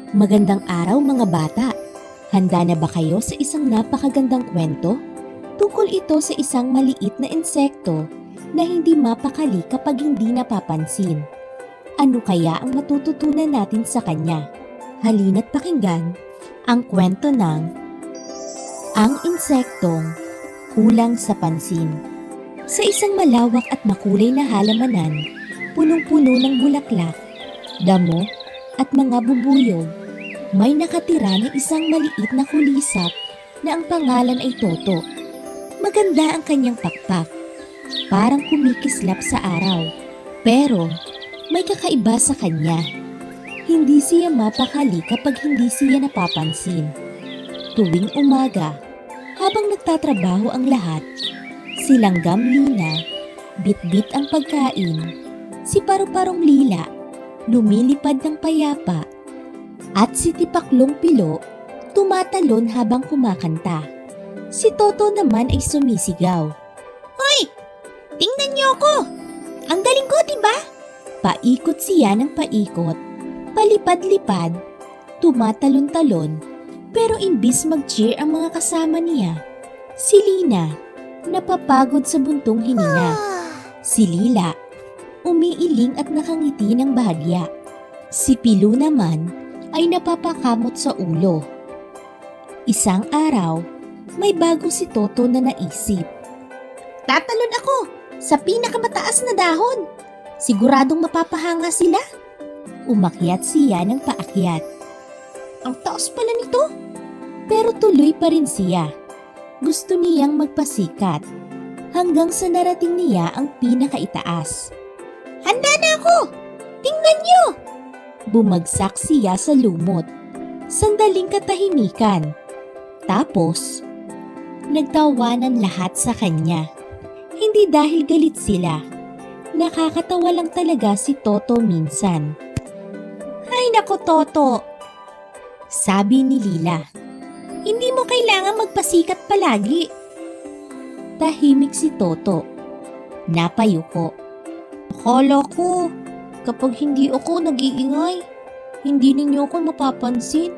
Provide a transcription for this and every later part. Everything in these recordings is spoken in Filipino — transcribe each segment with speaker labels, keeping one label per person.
Speaker 1: Magandang araw mga bata! Handa na ba kayo sa isang napakagandang kwento? Tungkol ito sa isang maliit na insekto na hindi mapakali kapag hindi napapansin. Ano kaya ang matututunan natin sa kanya? Halina't pakinggan ang kwento ng Ang Insektong Kulang sa Pansin. Sa isang malawak at makulay na halamanan, punong-puno ng bulaklak, damo at mga bubuyog, may nakatira na isang maliit na kulisap na ang pangalan ay Toto. Maganda ang kanyang pakpak, parang kumikislap sa araw. Pero may kakaiba sa kanya. Hindi siya mapakali kapag hindi siya napapansin. Tuwing umaga, habang nagtatrabaho ang lahat, si Langgam Lina, bit-bit ang pagkain, si Paru-Parong Lila, lumilipad ng payapa, at si Tipaklong Pilo, tumatalon habang kumakanta. Si Toto naman ay sumisigaw. Hoy! Tingnan niyo ako! Ang galing ko, diba? Paikot siya ng paikot, palipad-lipad, tumatalon-talon, pero imbis mag-cheer ang mga kasama niya, si Lina, napapagod sa buntong hininga. Si Lila, umiiling at nakangiti ng bahagya. Si Pilo naman ay napapakamot sa ulo. Isang araw, may bago si Toto na naisip. Tatalon ako sa pinakamataas na dahon. Siguradong mapapahanga sila. Umakyat siya ng paakyat. Ang taas pala nito. Pero tuloy pa rin siya. Gusto niyang magpasikat hanggang sa narating niya ang pinakaitaas. Handa na ako! Tingnan niyo! Bumagsak siya sa lumot. Sandaling katahimikan. Tapos, nagtawanan lahat sa kanya. Hindi dahil galit sila. Nakakatawa lang talaga si Toto minsan. Ay nako Toto! Sabi ni Lila. Hindi mo kailangan magpasikat palagi. Tahimik si Toto. Napayuko. Akala ko, kapag hindi ako nag-iingay, hindi ninyo ako mapapansin.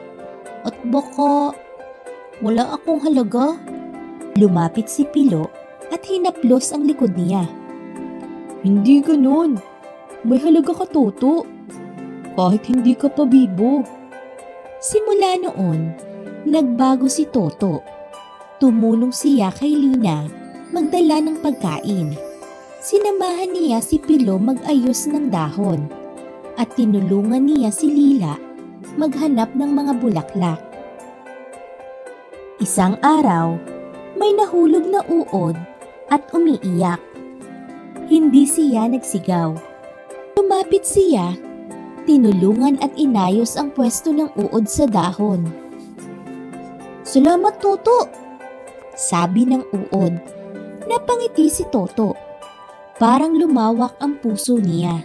Speaker 1: At baka wala akong halaga. Lumapit si Pilo at hinaplos ang likod niya. Hindi ganun. May halaga ka, Toto. Kahit hindi ka pa bibo. Simula noon, nagbago si Toto. Tumulong siya kay Lina magdala ng pagkain. Sinamahan niya si Pilo mag-ayos ng dahon at tinulungan niya si Lila maghanap ng mga bulaklak. Isang araw, may nahulog na uod at umiiyak. Hindi siya nagsigaw. Lumapit siya, tinulungan at inayos ang pwesto ng uod sa dahon. Salamat, Toto! Sabi ng uod. Napangiti si Toto. Parang lumawak ang puso niya.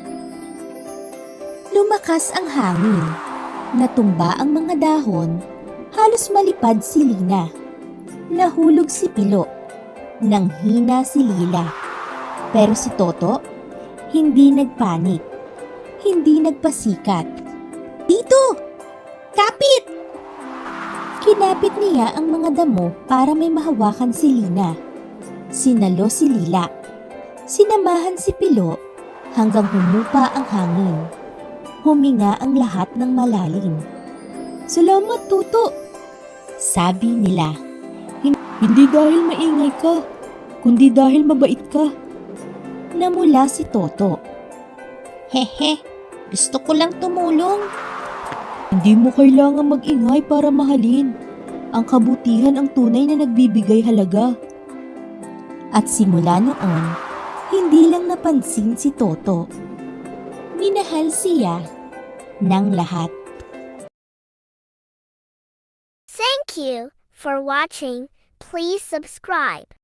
Speaker 1: Lumakas ang hangin. Natumba ang mga dahon. Halos malipad si Lina. Nahulog si Pilo. Nanghina si Lila. Pero si Toto, hindi nagpanik. Hindi nagpasikat. Dito! Kapit! Kinapit niya ang mga damo para may mahawakan si Lina. Sinalo si Lila. Sinamahan si Pilo hanggang humupa ang hangin. Huminga ang lahat ng malalim. Salamat, Toto! Sabi nila. Hindi dahil maingay ka, kundi dahil mabait ka. Namula si Toto. Hehe, gusto ko lang tumulong. Hindi mo kailangan mag-ingay para mahalin. Ang kabutihan ang tunay na nagbibigay halaga. At simula noon, hindi lang napansin si Toto. Minahal siya ng lahat.
Speaker 2: Thank you for watching. Please subscribe.